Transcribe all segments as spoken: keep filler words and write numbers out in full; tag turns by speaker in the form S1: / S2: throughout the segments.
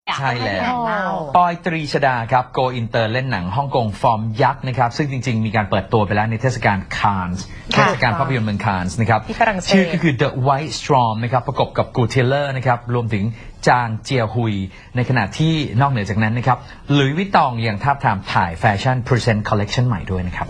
S1: ใช่แล้วปอยตรีชดาครับโกอินเตอร์เล่นหนังฮ่องกงฟอร์มยักษ์นะครับซึ่งจริงๆมีการเปิดตัวไปแล้วในเทศกาลคานส์เทศกาลภาพยนตร์เมืองคานส์นะครับชื่อก็คือ The White Storm นะครับประกบกับกูเทเลอร์นะครับรวมถึงจางเจียฮุยในขณะที่นอกเหนือจากนั้นนะครับหลุยส์วิตตองยังทาบทามถ่ายแฟชั่น Present Collection ใหม่ด้วยนะครับ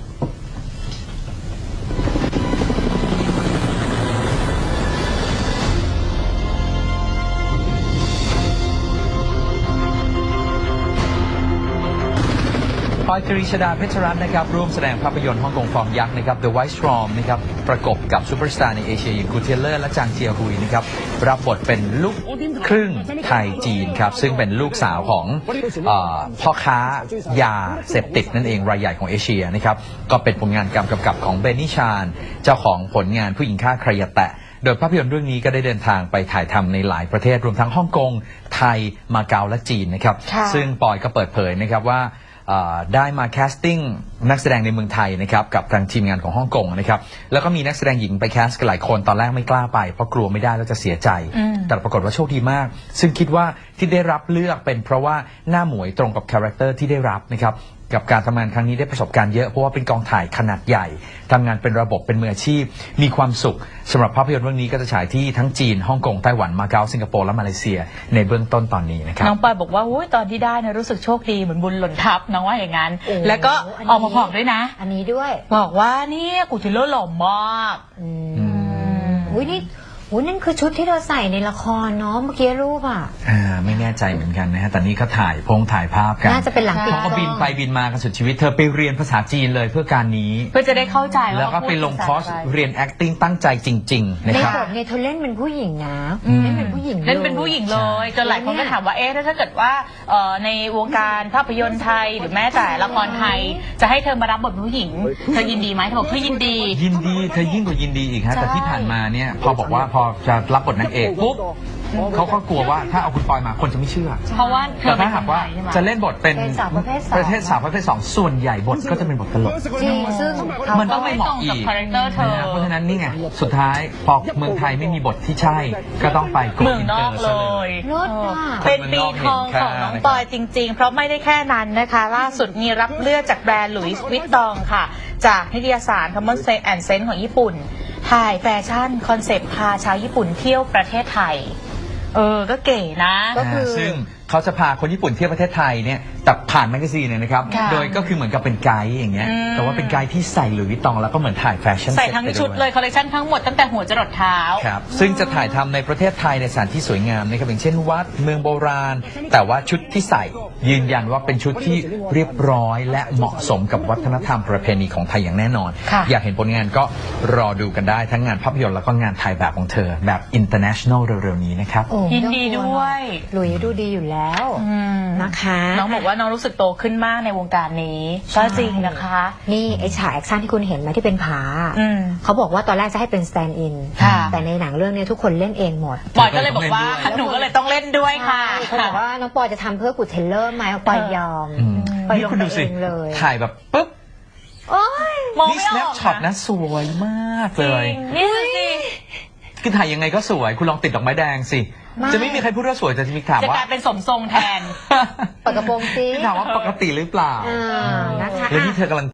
S1: ปอยตรีชดาเพชรรัตน์นะครับร่วมแสดงภาพยนตร์ฮ่องกงฟอร์มยักษ์นะครับ The White Storm นะครับประกบกับซูเปอร์สตาร์ในเอเชียอย่างกูเทเลอร์และจางเจียฮุยนะครับรับบทเป็นลูกครึ่งไทยจีนครับซึ่งเป็นลูกสาวของเอ่อพ่อค้ายาเสพติดนั่นเองรายใหญ่ของเอเชียนะครับก็เป็นผลงานการกำกับของเบนนี่ชานเจ้าของผลงานผู้หญิงฆ่าใครอย่าแตะโดยภาพยนตร์เรื่องนี้ก็ได้เดินทางไปถ่ายทำในหลายประเทศรวมทั้งฮ่องกงไทยมาเก๊าและจีนนะครับซึ่งปอยก็เปิดเผยนะครับว่าได้มาแคสติ้งนักแสดงในเมืองไทยนะครับกับทางทีมงานของฮ่องกงนะครับแล้วก็มีนักแสดงหญิงไปแคสกันหลายคนตอนแรกไม่กล้าไปเพราะกลัวไม่ได้แล้วจะเสียใจแต่ปรากฏว่าโชคดีมากซึ่งคิดว่าที่ได้รับเลือกเป็นเพราะว่าหน้าหมวยตรงกับคาแรคเตอร์ที่ได้รับนะครับกับการทำงานครั้งนี้ได้ประสบการณ์เยอะเพราะว่าเป็นกองถ่ายขนาดใหญ่ทำงานเป็นระบบเป็นมืออาชีพมีความสุขสำหรับภาพยนตร์เรื่องนี้ก็จะฉายที่ทั้งจีนฮ่องกงไต้หวันมาเก๊าสิงคโปร์และมาเลเซียในเบื้องต้นตอนนี้นะครับ
S2: น้องปอยบอกว่าตอนที่ได้นะรู้สึกโชคดีเหมือนบุญหล่นทับน้องว่าอย่างนั้นแล้วก็ออกมาบอกด้วยนะ
S3: อันนี้ด้วย
S2: บอกว่านี่กูทิโร่หล่อมาก
S3: อืมอุ้ยนี่โอ้นั่นคือชุดที่เราใส่ในละครเนาะเมื่อกี้รูปอ่ะ
S1: อ่าไม่แน่ใจเหมือนกันนะฮะแต่นี่เขาถ่ายพงถ่ายภาพกัน
S3: น่าจะเป็นหลังติด
S1: เขาก็บินไปบินมากันสุดชีวิตเธอไปเรียนภาษาจีนเลยเพื่อการนี้
S2: เพื่อจะได้เข้าใจ
S1: แล้วก็ไปลงคอร์สเรียน acting ตั้งใจจริงๆนะครับ
S3: ในบทเนี่ยเธอเล่นเป็นผู้หญิงนะเล่นเป็นผู้หญิง
S2: เล่นเป็นผู้หญิงเลยจนหลายคนก็ถามว่าเอ๊ะถ้าเกิดว่าในวงการภาพยนตร์ไทยหรือแม้แต่ละครไทยจะให้เธอมารับบทผู้หญิงเธอยินดีไหมเธอบอกเธอยินดี
S1: ยินดีเธอยิ่งกว่ายินดีอีกฮะแต่ที่ผ่านมาเนี่ยพอบอกว่าพอจะรับบทนางเอกปุ๊บเขาก็กลัวว่าถ้าเอาคุณปอยมาคนจะไม่เชื่อ
S2: เพราะว่า
S1: แต่ถ้าหากว่าจะเล่นบทเป็นประเภทสาวประเภทสองส่วนใหญ่บทก็จะเป็นบทตลก
S3: จริงซึ่ง
S1: มันต้องไม่เหมาะอีกเพราะฉะนั้นนี่ไงสุดท้ายพอเมืองไทยไม่มีบทที่ใช่ก็ต้องไป
S2: เมืองนอกเลยเป็นปีทองของน้องปอยจริงๆเพราะไม่ได้แค่นั้นนะคะล่าสุดมีรับเลือกจากแบรนด์หลุยส์วิตตองค่ะจากนิตยสาร Common Sense and Sense ของญี่ปุ่นถ่ายแฟชั่นคอนเซปต์พาชาวญี่ปุ่นเที่ยวประเทศไทยเออก็เก๋นะ
S1: ก็คือซึ่งเขาจะพาคนญี่ปุ่นเที่ยวประเทศไทยเนี่ยแต่ผ่านแมกกาซีนเนี่ยนะครับโดยก็คือเหมือนกับเป็นไกด์อย่างเงี้ยแต่ว่าเป็นไกด์ที่ใส่หลุยส์วิตตองแล้วก็เหมือนถ่ายแฟชั่น
S2: ใส่ทั้งชุดเลยคอลเลคชันทั้งหมดตั้งแต่หัวจรดเท้า
S1: ครับซึ่งจะถ่ายทำในประเทศไทยในสถานที่สวยงามนะครับอย่างเช่นวัดเมืองโบราณแต่ว่าชุดที่ใส่ยืนยันว่าเป็นชุดที่เรียบร้อยและเหมาะสมกับวัฒนธรรมประเพณีของไทยอย่างแน่นอนอยากเห็นผลงานก็รอดูกันได้ทั้งงานภาพยนตร์แล้วก็งานถ่ายแบบของเธอแบบ international เร็วๆนี้นะครับ
S2: ยินดีด้วย
S3: หลุยดูดีอยู่แล้วนะคะ
S2: น้องบอกว่าน้องรู้สึกโตขึ้นมากในวงการนี้ก็จริงนะคะ
S3: นี่ไอ้ฉากแอคชั่นที่คุณเห็นไหมที่เป็นผาเขาบอกว่าตอนแรกจะให้เป็นสแตนด์อินแต่ในหนังเรื่องนี้ทุกคนเล่นเองหมด
S2: ปอยก็เลยบอกว่าหนูก็เลยต้องเล่นด้วยค่ะ
S3: เขาบอกว่าน้องปอยจะทำเพื่อกูเทเลอร์ไหมปอยยอม
S1: ปอยลงไปเองเลยถ่ายแบบปุ๊บนี่สแนปช็อตนะสวยมากเลย
S2: นี่สิ
S1: คือถ่ายยังไงก็สวยคุณลองติดดอกไม้แดงสิจะไม่มีใครพูดว่าสวยแต่จะมีถามว่า
S2: จะกลายเป็นสมทรงแทน
S3: ปกระโปรงซิ
S1: ถามว่าปกติหรือเปล่า
S3: นะคะ
S1: แล้วนี่เธอกำลัง